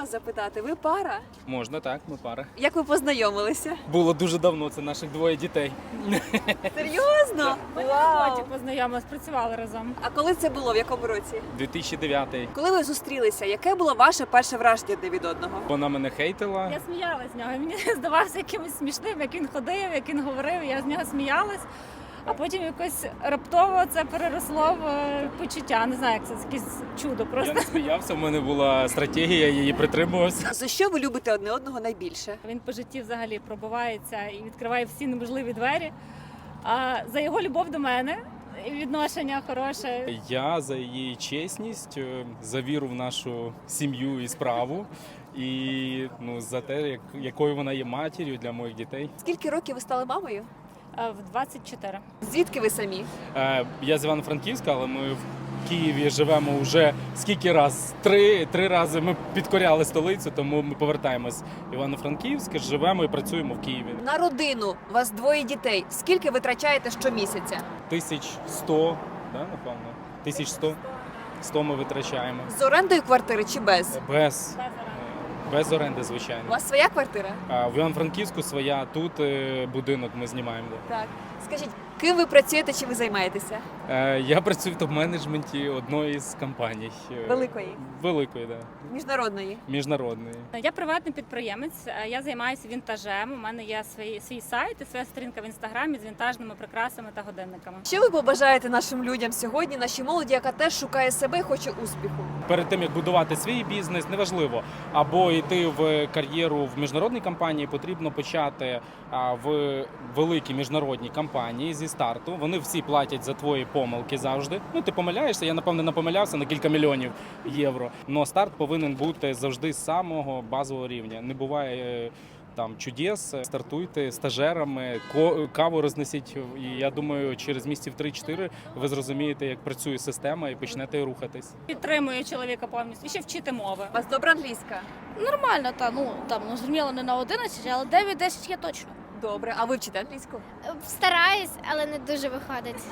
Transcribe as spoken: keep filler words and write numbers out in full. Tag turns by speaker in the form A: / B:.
A: вас запитати? Ви пара?
B: Можна, так, ми пара.
A: Як ви познайомилися?
B: Було дуже давно, це наших двоє дітей.
A: Серйозно?
C: Ми на
A: Вау!
C: роботі познайомились, працювали разом.
A: А коли це було? В якому році?
B: дві тисячі дев'ятий.
A: Коли ви зустрілися, яке було ваше перше враження один від одного?
B: Вона мене хейтила.
C: Я сміялась з нього. і Мені здавався якимось смішним, як він ходив, як він говорив. Я з нього сміялась. А потім якось раптово це переросло в е, почуття. Не знаю, як це якесь чудо
B: Я
C: просто.
B: не сміявся, в мене була стратегія, я її притримувався.
A: За що ви любите одне одного найбільше?
C: Він по житті взагалі пробивається і відкриває всі неможливі двері. А за його любов до мене і відношення хороше.
B: Я за її чесність, е, за віру в нашу сім'ю і справу. І ну, за те, як, якою вона є матір'ю для моїх дітей.
A: Скільки років ви стали мамою?
C: А в двадцять чотири.
A: Звідки ви самі?
B: Е, Я з Івано-Франківська, але ми в Києві живемо вже скільки раз? Три, три рази ми підкоряли столицю, тому ми повертаємось в Івано-Франківськ, живемо і працюємо в Києві.
A: На родину у вас двоє дітей. Скільки витрачаєте щомісяця?
B: Тисяч сто, да, напевно? Тисяч сто. Сто ми витрачаємо.
A: З орендою квартири чи без?
B: Без, е, без оренди, звичайно.
A: У вас своя квартира?
B: А в Івано-Франківську своя, тут е, будинок ми знімаємо. Да.
A: Так. Скажіть, ким ви працюєте чи ви займаєтеся?
B: Е, Я працюю в топ-менеджменті одної з компаній. е,
A: Великої?
B: Великої, да.
A: Міжнародної?
B: Міжнародної.
C: Я приватний підприємець, е, я займаюся вінтажем. У мене є свій, свій сайт і своя сторінка в інстаграмі з вінтажними прикрасами та годинниками.
A: Що ви побажаєте нашим людям сьогодні, нашій молоді, яка теж шукає себе і хоче успіху?
B: Перед тим як будувати свій бізнес, неважливо, або йти в кар'єру в міжнародній компанії, потрібно почати а, в великій міжнародній компанії зі старту. Вони всі платять за твої помилки завжди. Ну ти помиляєшся. Я напевне не помилявся на кілька мільйонів євро. Но старт повинен бути завжди з самого базового рівня. Не буває. е, Там чудес, стартуйте стажерами, ко- каву рознесіть. І я думаю, через місяців три-чотири ви зрозумієте, як працює система, і почнете рухатись.
C: Підтримую чоловіка повністю і ще вчити мови.
A: У вас добра англійська?
D: Нормально, та ну там ну зрозуміло не на одинадцять, але дев'ять-десять є точно.
A: Добре. А ви вчите англійську?
E: Стараюсь, але не дуже виходить.